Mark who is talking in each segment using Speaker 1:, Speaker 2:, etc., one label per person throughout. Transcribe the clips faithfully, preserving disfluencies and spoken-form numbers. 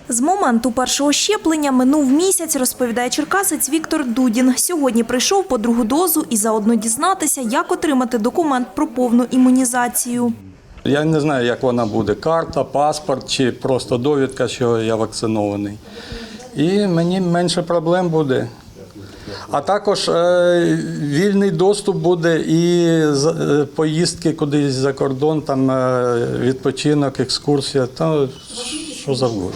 Speaker 1: З моменту першого щеплення минув місяць, розповідає черкасець Віктор Дудін. Сьогодні прийшов по другу дозу і заодно дізнатися, як отримати документ про повну імунізацію.
Speaker 2: Я не знаю, як вона буде – карта, паспорт чи просто довідка, що я вакцинований. І мені менше проблем буде. А також е, вільний доступ буде і е, поїздки кудись за кордон, там е, відпочинок, екскурсія, та що завгодно.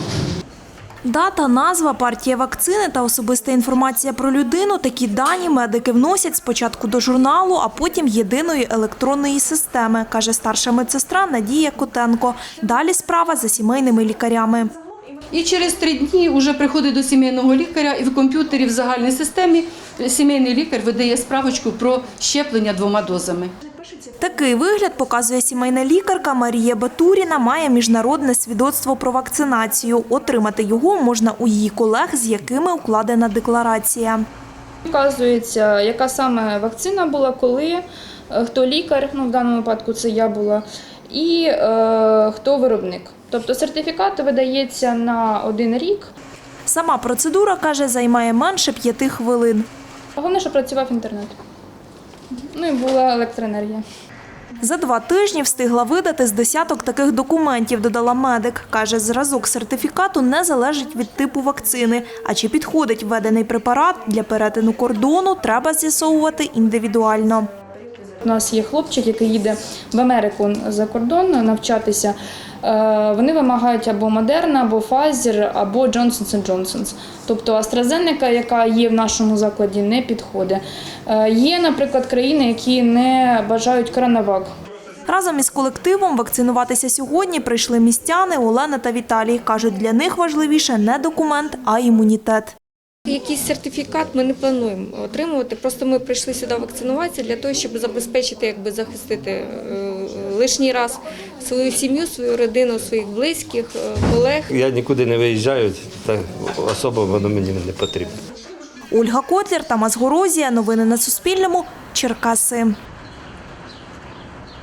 Speaker 1: Дата, назва, партія вакцини та особиста інформація про людину – такі дані медики вносять спочатку до журналу, а потім єдиної електронної системи, каже старша медсестра Надія Котенко. Далі справа за сімейними лікарями.
Speaker 3: І через три дні вже приходить до сімейного лікаря, і в комп'ютері в загальній системі сімейний лікар видає справочку про щеплення двома дозами.
Speaker 1: Такий вигляд, показує сімейна лікарка Марія Батуріна, має міжнародне свідоцтво про вакцинацію. Отримати його можна у її колег, з якими укладена декларація.
Speaker 4: Вказується, яка саме вакцина була, коли, хто лікар, ну в даному випадку це я була, і е, хто виробник. Тобто сертифікат видається на один рік.
Speaker 1: Сама процедура, каже, займає менше п'яти хвилин.
Speaker 4: Головне, щоб працював інтернет. Ну і була електроенергія.
Speaker 1: За два тижні встигла видати з десяток таких документів, додала медик. Каже, зразок сертифікату не залежить від типу вакцини. А чи підходить введений препарат для перетину кордону, треба з'ясовувати індивідуально.
Speaker 4: У нас є хлопчик, який їде в Америку за кордон навчатися. Вони вимагають або Модерна, або Pfizer, або Johnson енд Johnson. Тобто AstraZeneca, яка є в нашому закладі, не підходить. Є, наприклад, країни, які не бажають коронавак.
Speaker 1: Разом із колективом вакцинуватися сьогодні прийшли містяни Олена та Віталій. Кажуть, для них важливіше не документ, а імунітет.
Speaker 5: Якийсь сертифікат ми не плануємо отримувати. Просто ми прийшли сюди вакцинуватися для того, щоб забезпечити, якби захистити е, лишній раз свою сім'ю, свою родину, своїх близьких, е, колег.
Speaker 6: Я нікуди не виїжджаю, та особо воно мені не потрібно.
Speaker 1: Ольга Котлер, Тамас Горозія. Новини на Суспільному. Черкаси.